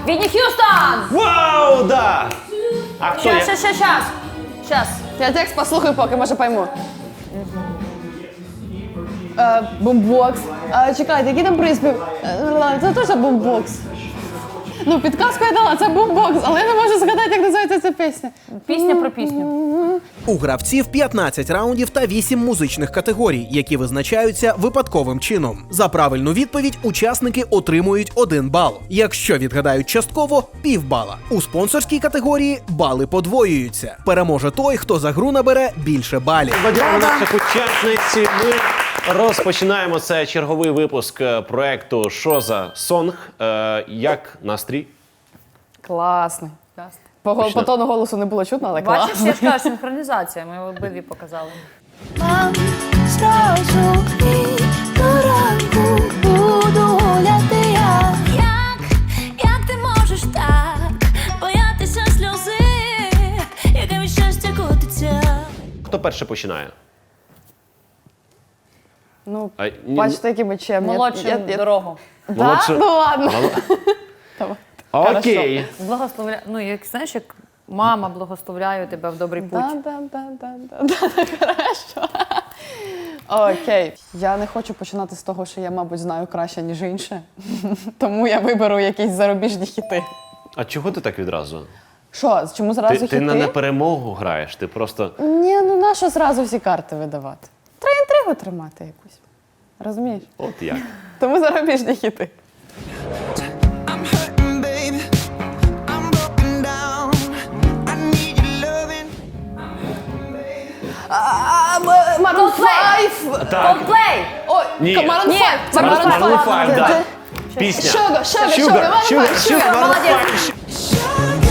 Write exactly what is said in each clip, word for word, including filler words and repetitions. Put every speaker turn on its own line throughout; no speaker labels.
Вітні Х'юстон!
Вау, да! А хто
Щас,
є?
щас, щас, щас. Щас.
Я текст послухаю, поки, може пойму. Е, бумбокс. Е, чекайте, який там приспів? Е, Це теж бумбокс. Ну, підказку я дала, це бумбокс, але я не можу згадати, як називається ця пісня.
Пісня про пісню.
У гравців п'ятнадцять раундів та вісім музичних категорій, які визначаються випадковим чином. За правильну відповідь учасники отримують один бал. Якщо відгадають частково – півбала. У спонсорській категорії бали подвоюються. Переможе той, хто за гру набере більше балів.
Бадяємо наших учасниць. Ми розпочинаємо це черговий випуск е, проекту «Що за сонг?». Е, як настрій?
Класний. По,
Точно.
по тону голосу не було чутно, але
Бачиш,
класно.
я ж кажу, синхронізація, ми обидві показали.
Мам, зразу і до ранку буду гуляти я. Як, як ти можеш так боятися сльози, яке від щастя котиться?
Хто перше починає?
Ну,
А, ні,
бачите, які ми чемні.
Молодшу
Я- я-
дорогу.
Да?
Молодшу.
Ну ладно.
Мало-
Давай.
Окей.
Благословляю. Ну, як знаєш, як мама благословляю тебе в добрий путь.
Да, да, да, да, да, да, хорошо. Окей. Я не хочу починати з того, що я, мабуть, знаю краще, ніж інше. Тому я виберу якісь зарубіжні хіти.
А чого ти так відразу?
Що, чому зразу
Ти,
хіти?
ти на неперемогу граєш, ти просто...
Ні, ну нащо зразу всі карти видавати? Треба інтригу тримати якусь. Розумієш?
От як.
Тому зарубіжні хіти.
I'm hurting, baby. I'm broken down. I need your loving.
Maroon
Coldplay!
five!
Coldplay!
Ой,
Ні.
Maroon
Ні,
five!
Maroon
Maroon five, да.
Де-
Пісня.
Sugar, sugar,
Sugar,
sugar, Maroon
sugar,
five,
sugar,
sugar.
Maroon
молодець.
five.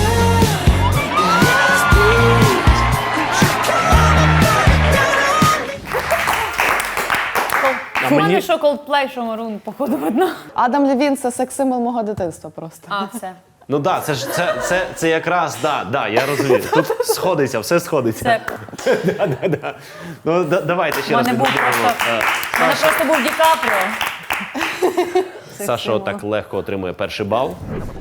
А
У мене
мені...
що Coldplay, що Maroon, походу, видно.
Адам Левін – це секс-символ мого дитинства просто.
А, все.
Ну так, да, це ж це, це, це якраз, да, да, я розумію. Тут сходиться, все сходиться.
Це.
Да, да, да. Ну да, давайте ще
У
раз
мене був
відбудемо.
просто,
Е,
у мене просто був Ді Капріо.
Саша так легко отримує перший бал.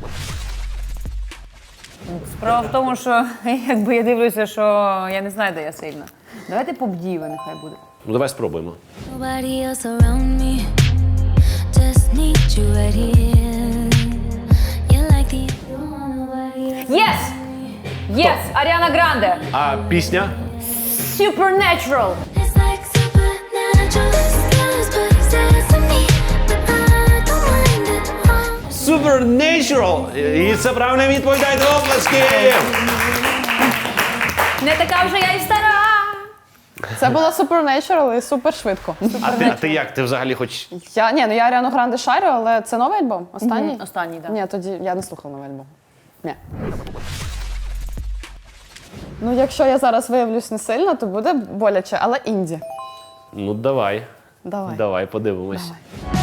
Справа в тому, що якби я дивлюся, що я не знаю, де я сильна. Давайте поп-діви нехай буде.
Ну давай спробуємо.
Nobody else around me, just need you right here. You're like the nobody else.
Yes! Yes! Аріана Гранде!
А пісня?
Supernatural!
It's like supernatural skies, but he says to me, but I don't mind it all.
Supernatural! І це правильна відповідь, дайте оплески!
Не така вже я і стара!
Це було Supernatural і супер швидко.
А ти, а ти як? Ти взагалі хоч...
Я, ні, ну я Аріану Гранде шарю, але це новий альбом? Останній?
Мгм, останній, да.
Ні, тоді я не слухала новий альбом. Ні. Ну, якщо я зараз виявлюсь не сильно, то буде боляче, але інді.
Ну давай.
Давай.
Давай, подивимось.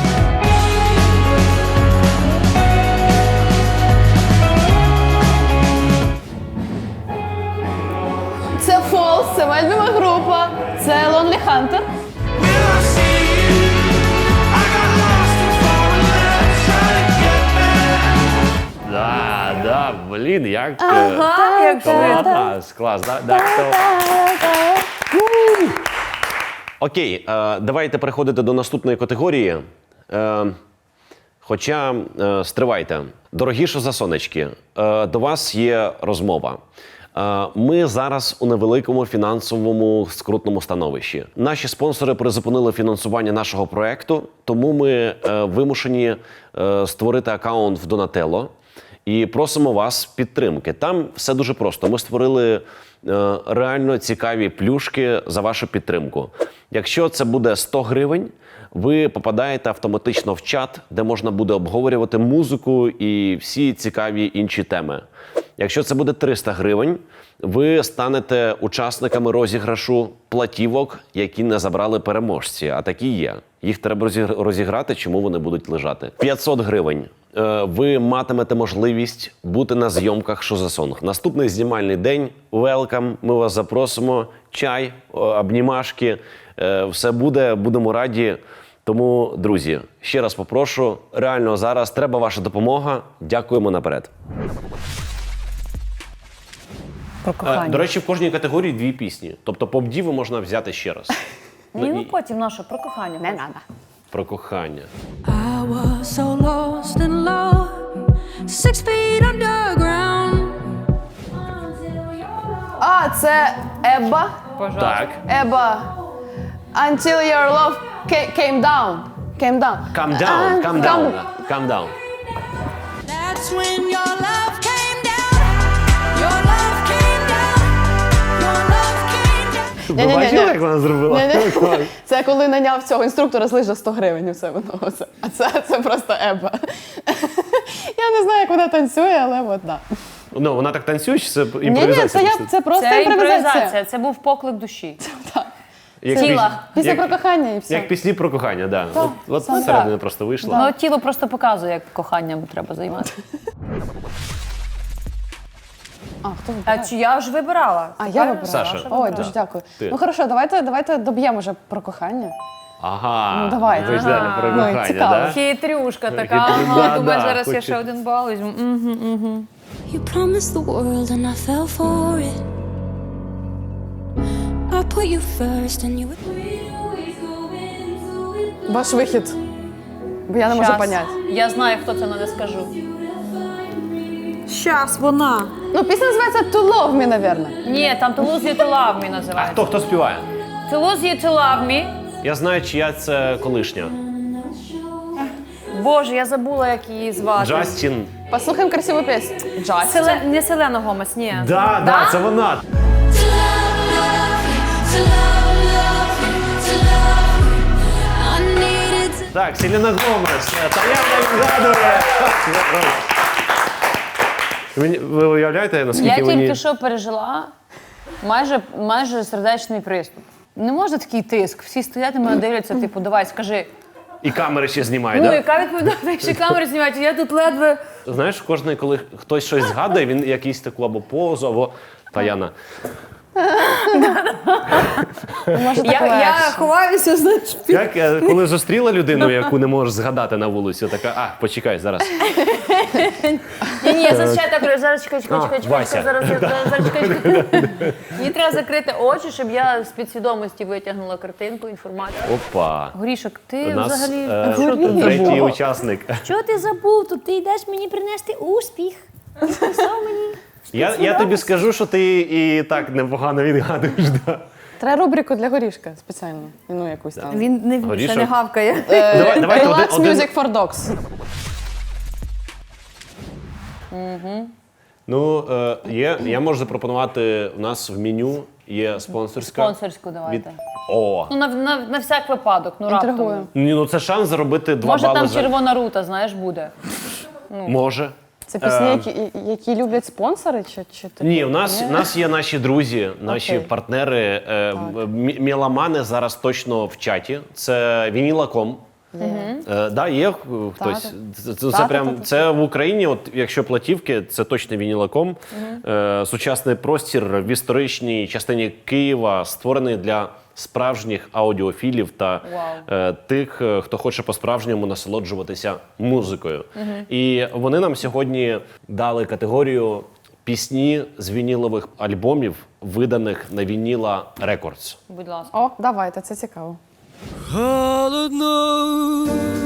Це Falls, це моя любима група, це Lonely Hunter.
Will I see you? I got lost and far and left, trying to get back.
Да, да, блін, як... е,
Ага, як швидко.
Клас, клас, да, да, то... Окей, е, давайте переходити до наступної категорії. Е, хоча, е, стривайте, дорогі шозасонечки, е, до вас є розмова. Е, Ми зараз у невеликому фінансовому скрутному становищі. Наші спонсори призупинили фінансування нашого проекту, тому ми е, вимушені е, створити аккаунт в Donatello і просимо вас підтримки. Там все дуже просто. Ми створили е, реально цікаві плюшки за вашу підтримку. Якщо це буде сто гривень, ви попадаєте автоматично в чат, де можна буде обговорювати музику і всі цікаві інші теми. Якщо це буде триста гривень, ви станете учасниками розіграшу платівок, які не забрали переможці, а такі є. Їх треба розігр- розіграти, чому вони будуть лежати. п'ятсот гривень. Е, Ви матимете можливість бути на зйомках «Що за сонг». Наступний знімальний день. Welcome. Ми вас запросимо. Чай, о, обнімашки. Е, Все буде. Будемо раді. Тому, друзі, ще раз попрошу, реально зараз треба ваша допомога. Дякуємо наперед.
Про
Е,
кохання.
До речі, в кожній категорії дві пісні. Тобто поп-діву можна взяти ще раз.
Ні, ну
і-
потім наше про кохання.
Не
хочу.
треба.
Про кохання.
I was so lost in love, six feet underground.
А, це Еба.
Пожалуйста.
Так.
Еба. Until your love ca- came down. Came down.
Calm
А,
down, calm down, calm down.
That's when your love came down. Your love came down. Your love came down.
Ні-ні-ні.
бачили, як вона зробила?
Ні-ні. Це коли наняв цього інструктора з лижа сто гривень у себе на оце. А це, це просто Еба. Я не знаю, як вона танцює, але от да.
Ну, вона так танцює, чи це
Ні, ні,
імпровізація?
це, я,
просто?
це просто
Це
імпровізація.
імпровізація, це був поклик душі.
Як
тіла.
піс-
Після
як-
про кохання і все.
Як пісні про кохання, так. Да. От, от
саме
середина
так.
просто вийшла.
Ну, тіло просто показує, як коханням треба займатися.
А, хто
А
вибирає?
чи я вже вибирала?
А, я
Тепер
вибирала.
Саша.
Саша
Ой,
вибирала.
дуже дякую.
Ти.
Ну хорошо, давайте, давайте доб'ємо вже про кохання.
Ага.
Ну, давайте.
Ви ж далі про
Ну,
кохання,
цікаво.
да?
Хитрюшка така,
Хитрю-
ага,
да,
думаєш,
да,
зараз я
хоче.
ще один бал візьму. Мгм, мгм.
You promised the world and I fell for it. I put you first and you would.
Ваш вихід. Бо я не можу
Щас.
поняти.
Я знаю, хто це, але не скажу. Щас, вона.
Ну, пісня називається To Love Me, напевно.
Ні, там To Lose You To Love Me
А
називається.
хто, хто співає?
To Lose You To Love Me.
Я знаю, чия це колишня.
Боже, я забула, як її звати.
Джастін.
Послухаємо красиву пісню. Джастін.
Селе... Не Селена Гомес, ні.
Да, да, це вона.
To love, love you, to love, love you, to love you. I needed to.
Так, Селена Гомес. Та я не вгадує. Мені- Ви уявляєте, наскільки
Я
мені...
тільки що пережила майже, майже сердечний приступ. Не може такий тиск. Всі стоять і мене дивляться, типу, давай, скажи.
І камери ще знімає,
Ну,
да?
яка відповідальність, якщо камери знімають, я тут ледве.
Знаєш, кожен, коли хтось щось згадує, він якийсь таку або позу, або Таяна.
Може,
Я,
так
я
легше.
ховаюся, значить.
Як е, коли зустріла людину, яку не можеш згадати на вулиці, така, а, почекай, зараз.
Ні, ні, зараз ще так, зараз чекай, чекай,
А,
чекай, чекай,
Вася.
чекай, зараз, я- зараз, зараз, чекай, чекай. Мені треба закрити очі, щоб я з підсвідомості витягнула картинку, інформацію.
Опа.
Горішок,
У
ти
нас
взагалі,
е,
що ти
третій
забув?
учасник.
Що ти забув? Тут ти йдеш мені принести успіх. Що мені?
Я, я тобі скажу, що ти і так непогано відгадуєш. Да.
Треба рубрику для горішка спеціально. Ну, якусь там.
Він не,
Горішок.
ще не гавкає.
Е,
Давай- давайте
Relax
один- один-
Music for Dogs.
Ну, е, є, я можу запропонувати, у нас в меню є спонсорська.
Спонсорську давайте.
О,
Ну, на, на, на всяк випадок, ну раптом.
Інтригую.
ні, ну це шанс заробити два
Може
бали
там
за...
червона рута, знаєш, буде.
Може.
Це пісні,
Е,
які, які люблять спонсори? Чи, чи ти?
Ні, у нас, у нас є наші друзі, наші
Окей.
партнери, е, мі- меломани зараз точно в чаті. Це Вініла точка ком. Е, да, є е, хтось. Це, це, це
Та-та-та-та.
прям це в Україні. От якщо платівки, це точно Вініла точка ком. Е, сучасний простір в історичній частині Києва створений для справжніх аудіофілів та е, тих, е, хто хоче по-справжньому насолоджуватися музикою. І вони нам сьогодні дали категорію пісні з вінілових альбомів, виданих на Вініла Рекордс.
Будь ласка.
О, давайте, це цікаво.
Холодно,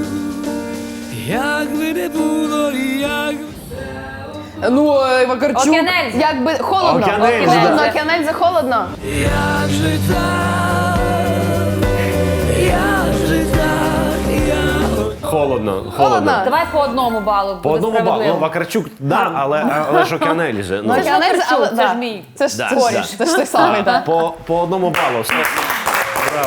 як би не було, як
Ну, е, Вакарчук.
Океанельза.
Якби холодно.
Океанельза.
Холодно, Океанельза холодно.
як же так, як же так, я
Холодно, холодно.
Холодно.
Давай по одному балу.
По
буде
одному балу.
справедливо.
Ну, Вакарчук, да, але, але ж Океанель же. Ну,
Це ж
Океанельза, але
Вакарчук, це
да.
ж мій.
Це ж
Да,
це,
да.
ж- це ж той самий, так.
по, по одному балу. Все. Браво.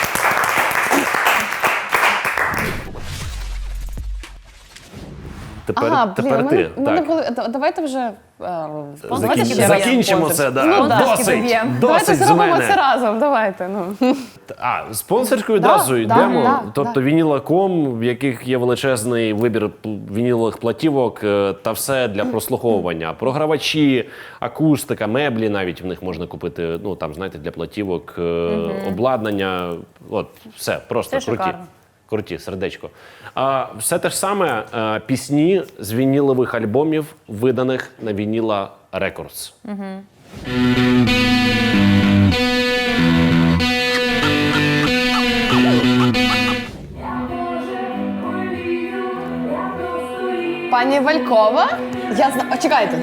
Тепер,
Ага, блін,
тепер
у
ти.
мене, у мене
так.
були, да- давайте вже е,
Закін-
Давайте ще
Закінчимо
спонсор.
це, да.
Ну, да.
Досить,
доб'ємо.
Давайте
досить з
зробимо
мене.
це разом, давайте. Ну.
А, спонсорською
Да,
одразу
да,
йдемо.
да,
тобто
да.
Вініла точка ком, в яких є величезний вибір пл- вінілових платівок е, та все для прослуховування. Програвачі, акустика, меблі навіть в них можна купити. Ну там, знаєте, для платівок, е, обладнання. От, все, просто
Це
круті.
шикарно.
Круті, сердечко. А, все те ж саме е, пісні з вінілових альбомів, виданих на Вініла Рекордс.
Пані Валькова? Я знаю. Чекайте.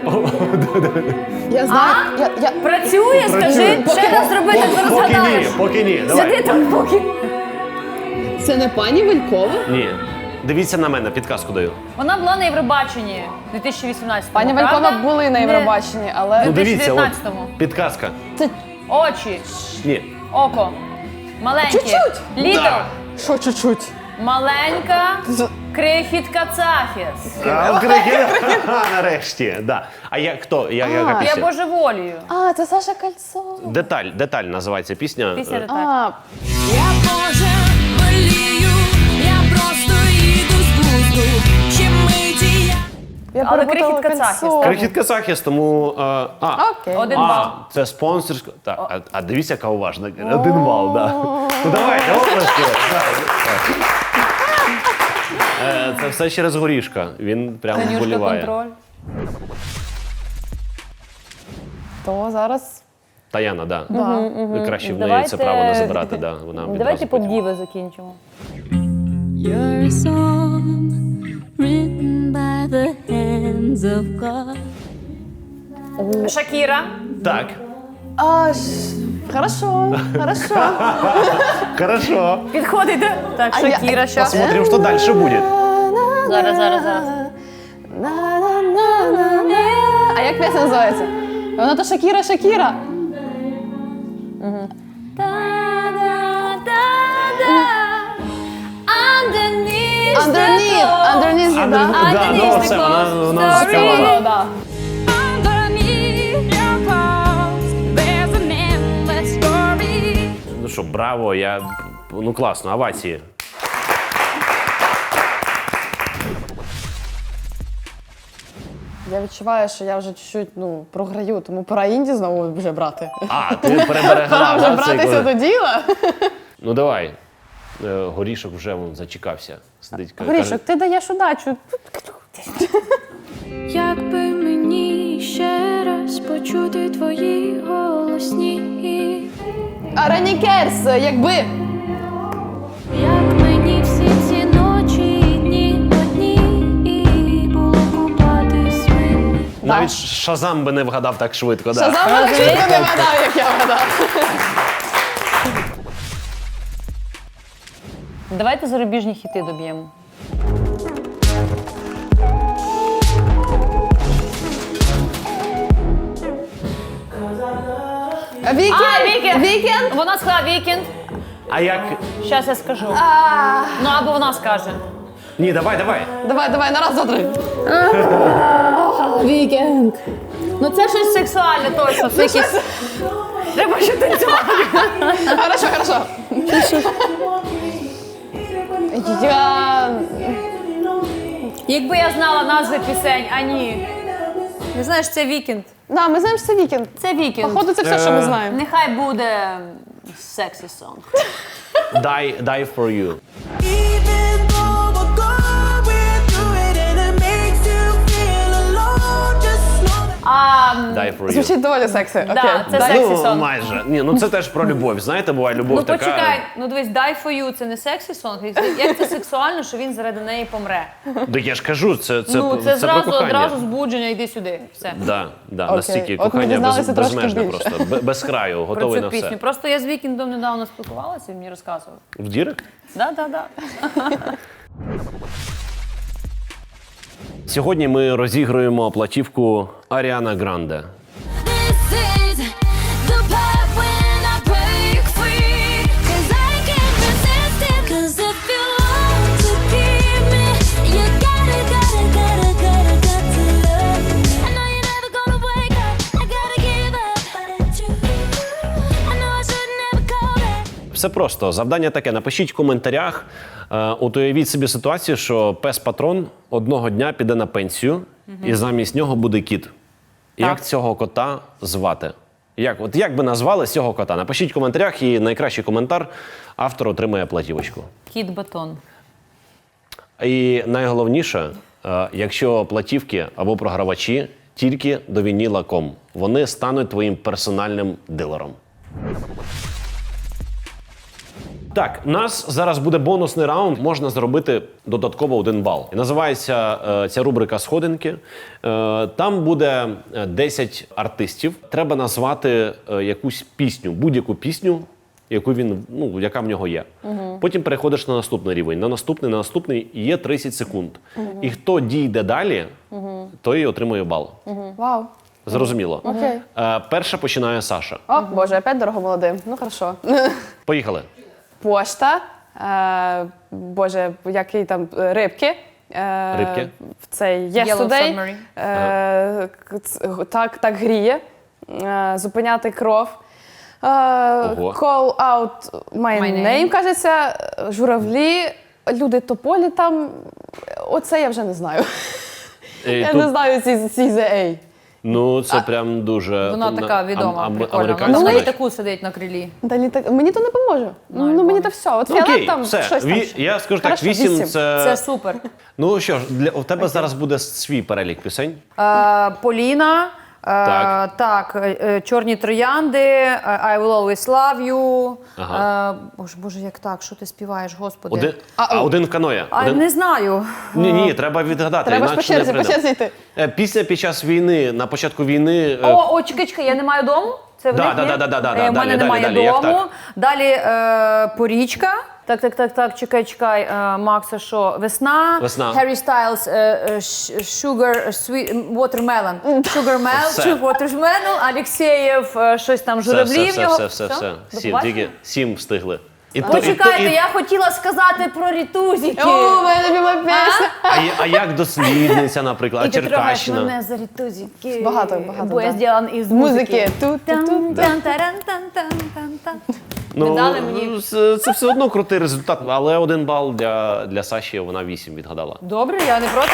Я знаю. Я, я...
Працює, скажи, ще раз зроби, так
Поки ні,
розгадаєш.
поки ні.
Сиди
Давай.
там, поки.
Це не пані Валькова?
Ні. Дивіться на мене, підказку даю.
Вона була на Євробаченні у дві тисячі вісімнадцятому.
Пані
правда?
Валькова були на
Не-
Євробаченні, але
Ну дивіться, от,
дев'ятнадцятому.
підказка.
Очі,
Ні.
око, маленьке,
Чуть-чуть.
літл,
Да.
що чуть-чуть?
маленька, крихітка Цафіс.
А, крики. Нарешті, да. А я хто? Я, яка
Я
пісня?
божеволію.
А, це Саша Кольцо.
Деталь, деталь називається пісня.
Пісня
Е,
деталь.
А,
Я боже болію, я просто їду з глузду. Ще миті я.
я
Але
перепутала
крихітка Цахіс,
Кольцо.
Крихітка Захист, тому. е, а,
Окей.
Один
а,
бал.
це спонсорська. Так, а, а дивіться, яка уважна. Один бал, да. Ну давайте, оплески. Так. Е, Це все через горішка. Він прямо
Танюшка,
вболіває.
контроль.
То зараз
Таяна, да. Ви краще в неї
Давайте-
це право не забирати. Да. Вона
Давайте
відразу потім.
поп-діви закінчимо.
You're a song written by the hands of God.
Шакіра.
Так.
А, ш... Хорошо, хорошо.
Хорошо.
Підходить. Так,
А я-
Шакіра, що?
Посмотрим, что дальше будет.
Зараз, зараз, зараз.
На-на-на-на-на. А як пісня називається? Вона то Шакіра, Шакіра.
Underneath,
Underneath, underneath,
А,
да?
ну, да, ну, це вона, вона співала.
Да.
Underneath your clothes, there's an endless story.
Ну що, браво, я. Ну класно, овації.
Я відчуваю, що я вже чуть-чуть ну, програю, тому пора інді знову вже брати.
А, ти переберегла.
Пора вже
да, цей
братися
код.
до діла.
Ну давай. Е, Горішок вже вон, зачекався. Сидить, каже,
Горішок, ти даєш удачу.
Якби мені ще раз почути твої голосні,
А Ранікерс, якби.
як мені всі ці ночі і дні одні, і було купатись в мені.
навіть Шазам би не вгадав так швидко. Да.
Шазам мене чітко не вгадав, як я вгадав.
Давайте зарубіжні хіти доб'ємо.
Вікенд!
А, Вікенд!
Вікенд!
Вона сказала вікенд.
А як.
Щас я скажу. Ну, або вона скаже.
Ні, давай, давай.
Давай, давай, на раз, два, три.
Вікенд. Ну це щось сексуальне точно. Це якісь... Треба ще танцювати.
Хорошо, хорошо. Я...
Якби я знала назви пісень, а ні. Не знаєш, це вікенд.
Да, ми знаємо, що це вікенд.
Це вікенд.
Походу, це все, що ми знаємо.
Нехай буде сексі сонг.
Die, die for you.
Even though we're going through it and it makes you feel alone, just know that
А,
Die for you.
Звучить доволі сексі. Окей.
Да, це
Дай-
сексі
Ну,
сонг.
майже. Ні, ну це теж про любов. Знаєте, буває любов
Ну
така.
почекай, ну дивись, die for you, це не сексі сонг. Як це сексуально, що він заради неї помре?
Да я ж кажу, це, це,
Ну
це,
це зразу
про кохання.
одразу збудження, йди сюди. Все.
Да, да,
Окей.
настільки
От ми
кохання без,
дізналися трошки
безмежне
більше.
просто, бе- без краю,
Про
готовий
цю
на
пісню.
все.
Просто я з Вікіндом недавно спілкувалася, він мені розказував.
В Дірек?
Да, да, да.
Сьогодні ми розігруємо платівку Аріана Гранде.
This is the part when I break free, 'cause I can't resist it. 'Cause if you want to keep me, you gotta, gotta, gotta, gotta, got to love me. I know you're never gonna wake up, I gotta give up, but it's true. I know I should never call back.
Все просто. Завдання таке. Напишіть в коментарях. Е, От уявіть собі ситуацію, що пес-патрон одного дня піде на пенсію, і замість нього буде кіт. Як цього кота звати? Як, от як би назвали цього кота? Напишіть в коментарях, і найкращий коментар автор отримає платівочку.
Кіт батон.
І найголовніше, е, якщо платівки або програвачі тільки до вініла крапка ком. Вони стануть твоїм персональним дилером. Так, у нас зараз буде бонусний раунд. Можна зробити додатково один бал. І називається е, ця рубрика «Сходинки». Е, там буде десять артистів. Треба назвати е, якусь пісню, будь-яку пісню, яку він, ну, яка в нього є. Угу. Потім переходиш на наступний рівень. На наступний, на наступний і є тридцять секунд. Угу. І хто дійде далі, угу. той і отримує бал.
Угу. Вау.
Зрозуміло.
Окей.
Е, перша починає Саша.
О, Боже, опять дорого молодим. Ну, хорошо.
Поїхали.
Пошта. Е, Боже, який там е, рибки. Е,
Рибки?
В цей
Yellow
Yesterday.
Submarine.
Е, к- ц- так, так гріє. Е, зупиняти кров. Е,
Ого.
Call out my,
My
name,
name.
кажеться. Журавлі. Люди тополі там. Оце я вже не знаю.
Е,
Я
тут-
не знаю ці, ці зе ей.
Ну, це прям дуже...
Вона
на-
така відома,
ам- ам-
прикольна.
американська
Вона на
річ.
літаку сидить на крилі.
Далі так мені то не поможе. Ну, ну мені то все. От
Ну,
фіолет
окей,
там
все.
щось там.
Ві-
ще.
Я скажу так,
Хорошо,
вісім
вісім.
це...
Це супер.
Ну що ж, для, у тебе зараз буде свій перелік пісень.
Е, Поліна. е,
Так.
Так, е, е, Чорні троянди, е, I will always love you.
Ага.
Е, Боже, Боже, як так? Що ти співаєш, Господи?
Один, а, один в каноє.
А,
Один...
не знаю.
Ні, ні, треба відгадати,
Треба ж по
інакше не
черзі, по
прийде.
черзі йти.
Е, Пісня під час війни, на початку війни... е,
О, о, чекай, чекай, я не маю дому? Це в
Да,
них,
да,
ні?
да, да, да, да,
Е,
да,
в мене
далі,
немає
далі, як
дому.
так?
Далі е, Порічка. Так, так, так, так, чекай, чекай. Е, Макса, що? Весна.
Весна.
Harry Styles, е, е, Sh- Sugar, Sweet, Watermelon. Sugar
Все.
Mel, Watermelon, Алєксєєв, е, щось там,
все,
журавлі
все,
в нього.
все, все, все, все.
До
Сім,
побачення.
тільки сім встигли. І то- і то-
Почекайте,
і-
я хотіла сказати про рітузики.
О, моя любима пісня.
А, я- а як дослідниця, наприклад,
І
а
ти трогаєш
Черкащина?
мене за рітузики.
Багато, багато,
Бо я
да.
зроблен із
Музики.
музики.
Ту-ту-ту.
Тан-таран-тан-тан-тан-тан.
Ну,
Не дали мені.
Це, це все одно крутий результат, але один бал для, для Саші, вона вісім відгадала.
Добре, я не проти.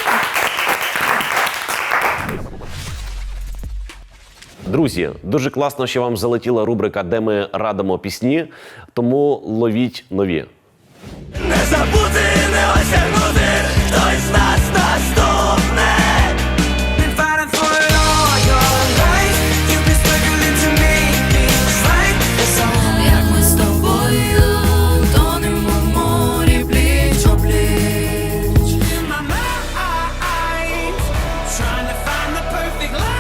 Друзі, дуже класно, що вам залетіла рубрика, де ми радимо пісні, тому ловіть нові.
Не забути, не осягнути, хтось з нас наступне. Been fighting for it all your life. You've been struggling to make things right. It's all
Як ми з тобою тонемо в морі пліч-о-пліч.
my mind, trying to find the perfect line.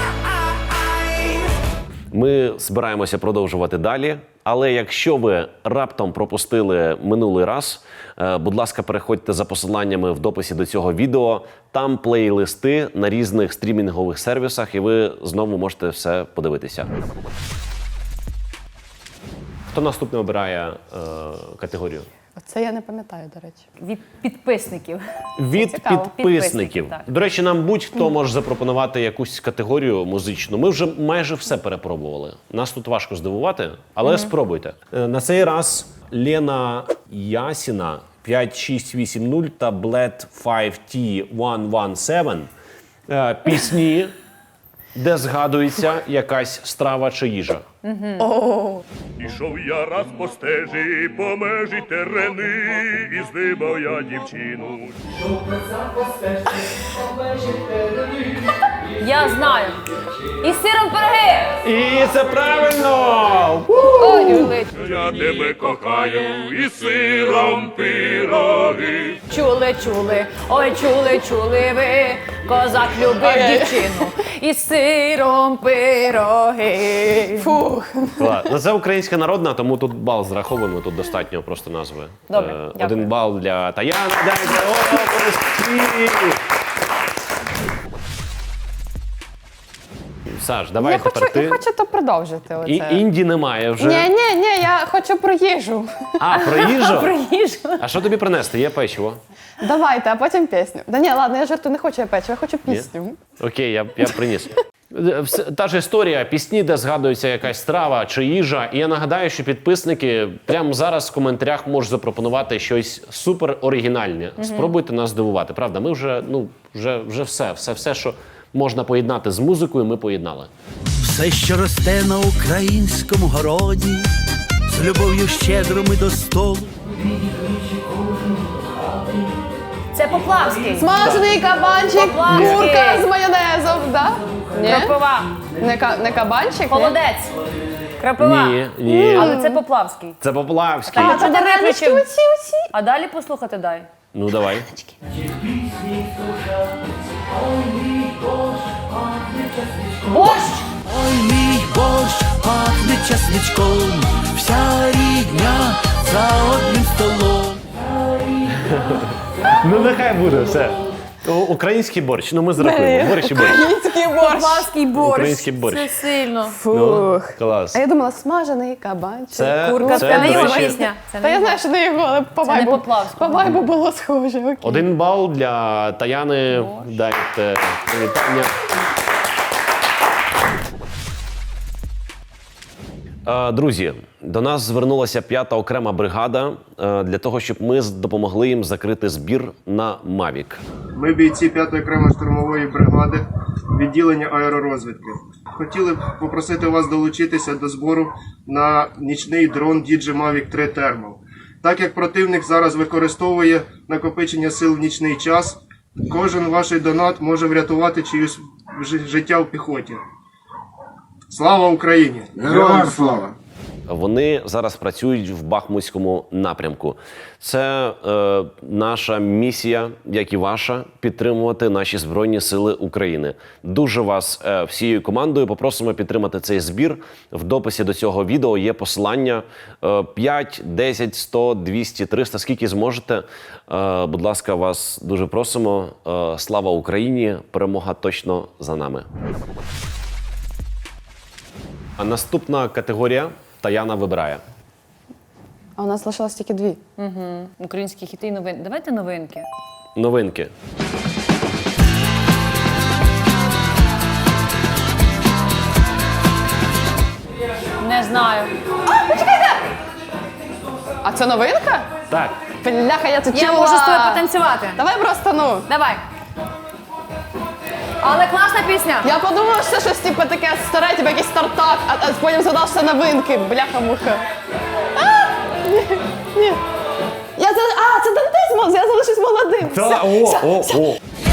Ми збираємося продовжувати далі, але якщо ви раптом пропустили минулий раз, е, будь ласка, переходьте за посиланнями в дописі до цього відео. Там плейлисти на різних стрімінгових сервісах, і ви знову можете все подивитися. Хто наступний обирає е, категорію?
Це я не пам'ятаю, до речі.
Від підписників.
Від
Цікаво.
підписників.
Підписників, так.
До речі, нам будь-хто може запропонувати якусь категорію музичну. Ми вже майже все перепробували. Нас тут важко здивувати, але спробуйте. Е, На цей раз Лена Ясіна п'ять шість вісім нуль та Bled п'ять ті сто сімнадцять е, пісні, де згадується якась страва чи їжа.
Ішов я раз по стежі, по межі терени, і здибав я дівчину.
Я знаю. І з сиром пироги.
І це правильно!
Ой, Юлич.
Я тебе кохаю, і сиром пироги.
Чули, чули, ой, чули, чули ви. Козак любив дівчину. І з сиром пироги.
Фух.
Ладно, ну, це українська народна, тому тут бал зраховуємо, тут достатньо просто назви.
Добре,
Е,
дякую.
Один бал для Таяни. Дайте оплески! Саш, давай
Я
тепер
хочу,
ти.
я хочу то продовжити. Оце.
І, інді немає вже.
Ні, ні, ні, я хочу про їжу.
А, про їжу?
Про їжу.
А що тобі принести? Є печиво?
Давайте, а потім пісню. Да ні, ладно, я жартую, не хочу я печиво, я хочу пісню.
Окей, я, я приніс. Вс- Та ж історія, пісні, де згадується якась страва чи їжа. І я нагадаю, що підписники прямо зараз в коментарях можуть запропонувати щось супер оригінальне. Спробуйте нас здивувати. Правда, ми вже, ну, вже, вже все, все, все, що можна поєднати з музикою, ми поєднали.
Все
Все, що росте на українському городі, з любов'ю щедрими до столу.
Це Поплавський.
Смажений кабанчик,
Поплавський.
курка з майонезом, да? Ні?
Кропива.
Не, ка- не кабанчик? ні?
Холодець. Крапива.
Ні, ні.
Але це Поплавський.
Це Поплавський.
Так, а чого ти
Варенички
виключив?
оці, оці.
А далі послухати дай.
Ну давай.
Борщ!
Ой, мій борщ пахне часничком, вся рідня за одним столом.
Ну нехай буде все. У- Український борщ. Ну ми зрахуємо. Борщ і борщ.
Український борщ.
Поплавський борщ.
Український борщ.
Це сильно.
Ну, клас.
А я думала, смажений кабанчик.
Це,
Курка,
це,
це не
до
його
речі,
пісня. Це
Та
не
я
його.
знаю, що не його, але по
Це не
вайбу,
Поплавського.
по вайбу було схоже. Окей.
Один бал для Таяни. Дайте привітання. Е, Друзі, до нас звернулася п'ята окрема бригада е, для того, щоб ми з- допомогли їм закрити збір на Мавік.
Ми бійці п'ятої окремої штурмової бригади відділення аеророзвідки. Хотіли б попросити вас долучитися до збору на нічний дрон ді джей Mavic три Thermal. Так як противник зараз використовує накопичення сил в нічний час, кожен ваш донат може врятувати чиюсь жи- життя в піхоті. Слава Україні!
Героям слава!
Вони зараз працюють в Бахмутському напрямку. Це е, наша місія, як і ваша, підтримувати наші Збройні Сили України. Дуже вас е, всією командою попросимо підтримати цей збір. В дописі до цього відео є посилання е, п'ять, десять, сто, двісті, триста, скільки зможете. Е, будь ласка, вас дуже просимо. Е, слава Україні! Перемога точно за нами. А наступна категорія Таяна вибирає.
А у нас лишилось тільки дві.
Українські хіти і новинки. Давайте новинки.
Новинки.
Не знаю.
А це новинка?
Так.
Бляха, я це
Я
чула.
можу з тобою потанцювати.
Давай просто, ну.
Давай. Але класна пісня.
Я подумала, що це щось типу таке старе, типу якийсь стартап, а, а потім згадала, що це новинки. Бляха-муха. А! Ні, ні. Я за... А, це Дантес, я залишусь молодим.
Та,
Все,
о,
все,
о,
все.
о.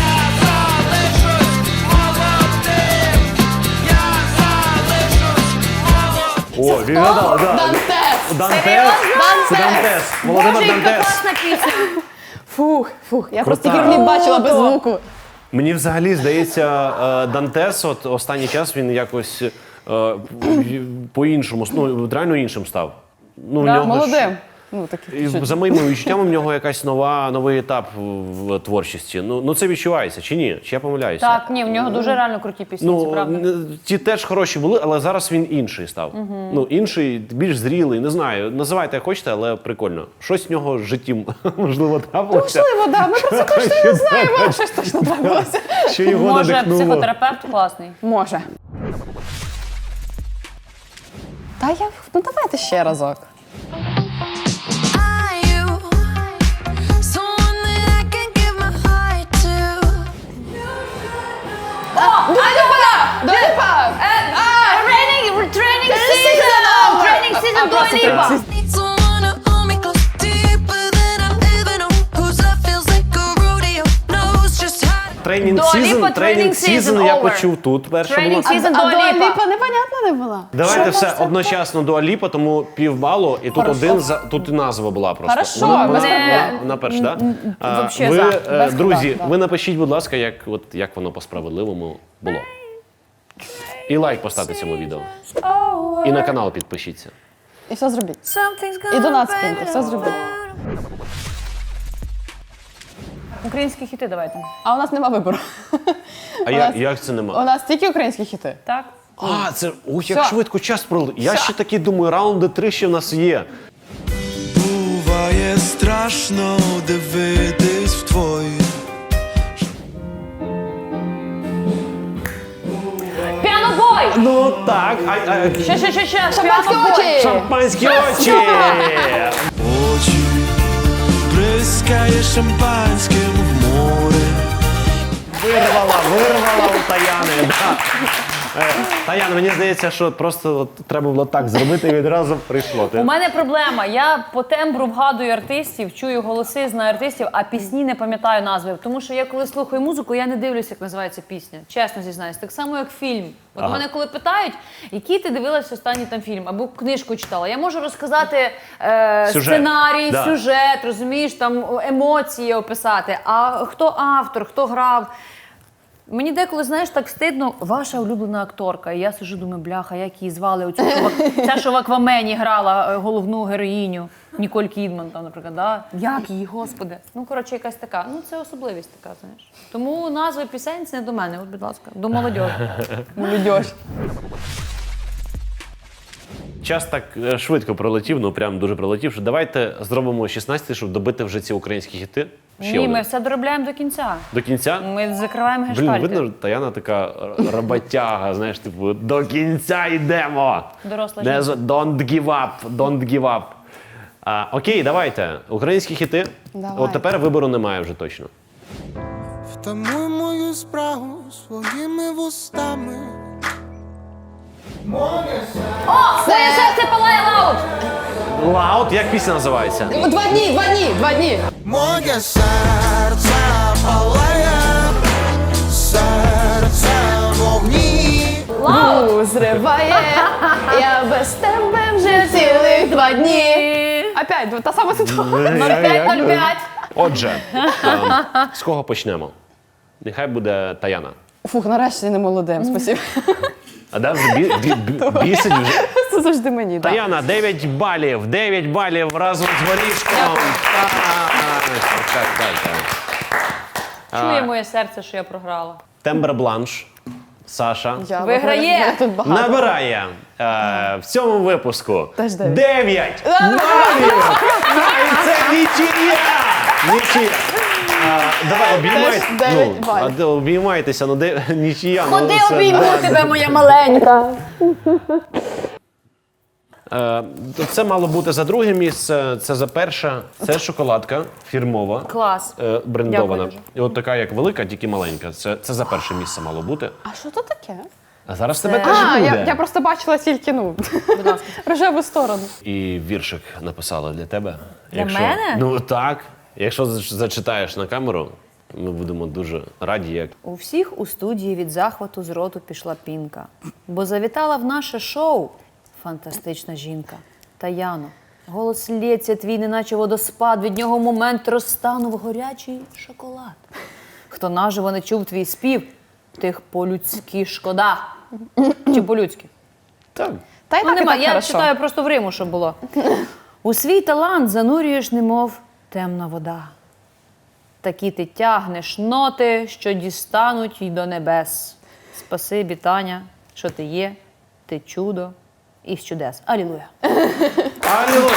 О, він гадав, да.
Дантес.
Дантес.
Дантес.
Це Дантес. Володимир
Боже, яка
Дантес.
класна пісня.
Фух, фух, я просто
Крута.
такий кліп бачила без звуку.
Мені взагалі здається, е, Дантес от останній час він якось е, по-іншому, ну, реально іншим став. Ну, в
Да,
нього ж-
Молодим. Ну, такий.
І за моїми відчуттями, в нього якась нова, новий етап в, в творчості. Ну, ну це відчувається, чи ні? Чи я помиляюся?
Так, ні, в нього дуже реально круті пісні, це
Ну,
правда.
н- ті теж хороші були, але зараз він інший став. Ну, інший, більш зрілий, не знаю. Називайте як хочете, але прикольно. Щось в нього в житті, можливо, трапилося.
Можливо, да, ми про це точно не знаємо, але щось точно трапилося.
Що його
Може,
надихнуло.
психотерапевт класний.
Може. Та я, ну давайте ще разок.
Are you someone that I can give my heart to?
Дуаліпа!
Тренінг, тренінг
season
season,
over.
тренінг
А,
season,
просто
Дуаліпа.
Need someone to hold me close, deeper than I've ever known. Whose love feels like a rodeo, knows just how to.
Тренінг
Dua Lipa,
сізон,
Training
тренінг
Season
сізон я
over.
почув тут. Перше
Training
було.
Season.
А
Dua Lipa.
Дуаліпа непонятно не була.
Давайте все одночасно Дуаліпа, тому півбалу, і тут
Хорошо.
один за тут і назва була просто.
Хорошо,
вона,
без
вона,
проблем.
вона, вона перша, так? Да?
вообще
ви,
за,
е,
без
друзі,
питань, да.
ви напишіть, будь ласка, як, от, як воно по-справедливому було. І лайк поставте цьому відео. І на канал підпишіться.
І все зробіть.
Something's
І до нас
gonna
киньте,
be
все зробіть.
Українські хіти давайте.
А у нас нема вибору.
А
У
як,
нас-
як це
У
нема?
нас тільки українські хіти.
Так?
А, це ух, як
Все.
швидко час пролив. Я
Все.
ще таки думаю, раунди три ще в нас є.
Буває страшно дивитись в твої.
Піанобой!
Ну так, а, а,
Ще, ще, ще, ще.
Шампанські
Піанобой.
очі!
шампанські очі!
Очі бризкає шампанським в море.
Вирвала, вирвала у Таяни. Да. Е, Таяна, мені здається, що просто от треба було так зробити і відразу прийшло. Ти-
У мене проблема. Я по тембру вгадую артистів, чую голоси, знаю артистів, а пісні не пам'ятаю назви. Тому що я коли слухаю музику, я не дивлюся, як називається пісня. Чесно зізнаюсь. Так само, як фільм. От
Ага.
мене коли питають, який ти дивилась останній там фільм, або книжку читала, я можу розказати е,
Сюжет.
сценарій,
Да.
сюжет, розумієш, там емоції описати. А хто автор, хто грав. Мені деколи, знаєш, так стидно, ваша улюблена акторка. І я сижу, думаю, бляха, як її звали? Оцю, що в Ак- ця, що в Аквамені грала е, головну героїню, Ніколь Кідман, там, наприклад. Да? Як її, господи? Ну, коротше, якась така. Ну, це особливість така, знаєш. Тому назви пісень це не до мене, от, будь ласка, до молодьожі.
Молодь.
Час так е, швидко пролетів, ну прям дуже пролетів, що давайте зробимо шістнадцять, щоб добити вже ці українські хіти. Ще
Ні,
один.
ми все доробляємо до кінця.
До кінця?
Ми закриваємо
Блін,
гештальти.
видно, Таяна така р- роботяга, знаєш, типу, до кінця йдемо.
Доросла
Не
жінка.
з- Don't give up, don't give up. А, окей, давайте. Українські хіти.
Давай.
От тепер вибору немає вже точно.
Втамуй мою спрагу своїми вустами.
Моє серце палає лаут!
Лаут, як пісня називається?
Два дні, два дні, два дні.
Моє серце палає, серце вогні.
У, зриває, я без тебе вже цілих два дні. Опять, та сама ситуація.
нуль п'ять нуль п'ять.
Отже, ем, з кого почнемо? Нехай буде Таяна.
Фух, нарешті не молодим, спасибо.
А да, вже бі, бі, бі, бісить вже.
Це завжди мені, так.
Таяна, дев'ять балів, дев'ять балів разом з горішком. Так, так, так.
Чує моє серце, що я програла.
Тембр бланш. Саша
Я
Виграє.
виграю, тут багато.
набирає е, в цьому випуску
Теж дев'ять.
дев'ять балів. І це нічия. Нічия. А, давай обіймай.
Теж дев'ять
Ну,
балів.
а де обіймайтеся, ну де нічия. ну,
Ходи
це,
обійму
да,
тебе, моя маленька.
Е, Це мало бути за друге місце, це за перше. Це шоколадка фірмова.
Клас.
е, Брендована.
Дякую дуже.
І от така, як велика, тільки маленька. Це, це за перше місце мало бути.
А що то таке?
А зараз в тебе теж
А,
буде.
я, я просто бачила тільки, ну, рожеву сторону.
І віршик написала для тебе.
Для мене?
Ну так. Якщо зач- зачитаєш на камеру, ми будемо дуже раді, як.
У всіх у студії від захвату з роту пішла пінка, бо завітала в наше шоу фантастична жінка. Таяно, голос лється твій, неначе водоспад, від нього в момент розтанув горячий шоколад. Хто наживо не чув твій спів, тих по-людськи шкода. Чи по-людськи?
Так.
Та й
Ну,
так, і
нема,
так
я
хорошо.
читаю просто в Риму, щоб було. У свій талант занурюєш, немов темна вода. Такі ти тягнеш ноти, що дістануть й до небес. Спасибі, Таня, що ти є, ти чудо і з чудес. Алілуя.
Алілуя!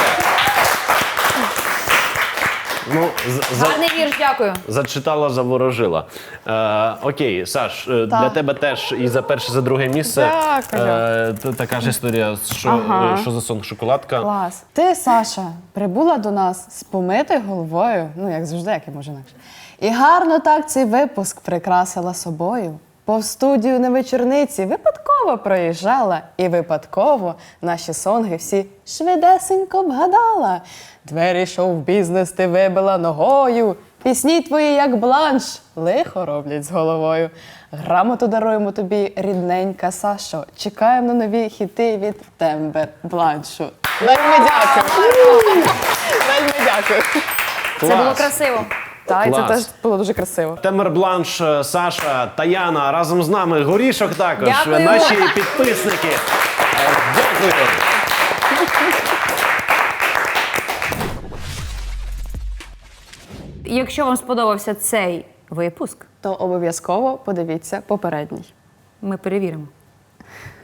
Ну, з- за,
Гарний вірш, дякую.
зачитала, заворожила. Е, окей, Саш, е, для тебе теж і за перше, і за друге місце.
Дякую.
Е, т- така ж історія, що,
Ага.
е, що за сон шоколадка.
Клас. Ти, Саша, прибула до нас з помитою головою, ну як завжди, як і може інакше. І гарно так цей випуск прикрасила собою. По студію на вечорниці випадково проїжджала, і випадково наші сонги всі швидесенько вгадала. Двері шоу-бізнес ти вибила ногою. Пісні твої, як бланш, лихо роблять з головою. Грамоту даруємо тобі, рідненька Сашо. Чекаємо на нові хіти від Тембер Бланшу. Вельми дякую. Вельми дякую.
Це було красиво.
Так, і це
Клас.
теж було дуже красиво.
Темер Бланш, е, Саша, Таяна, разом з нами Горішок також,
Дякую.
наші підписники. Е, Дякую.
Якщо вам сподобався цей випуск,
То обов'язково подивіться попередній.
ми перевіримо.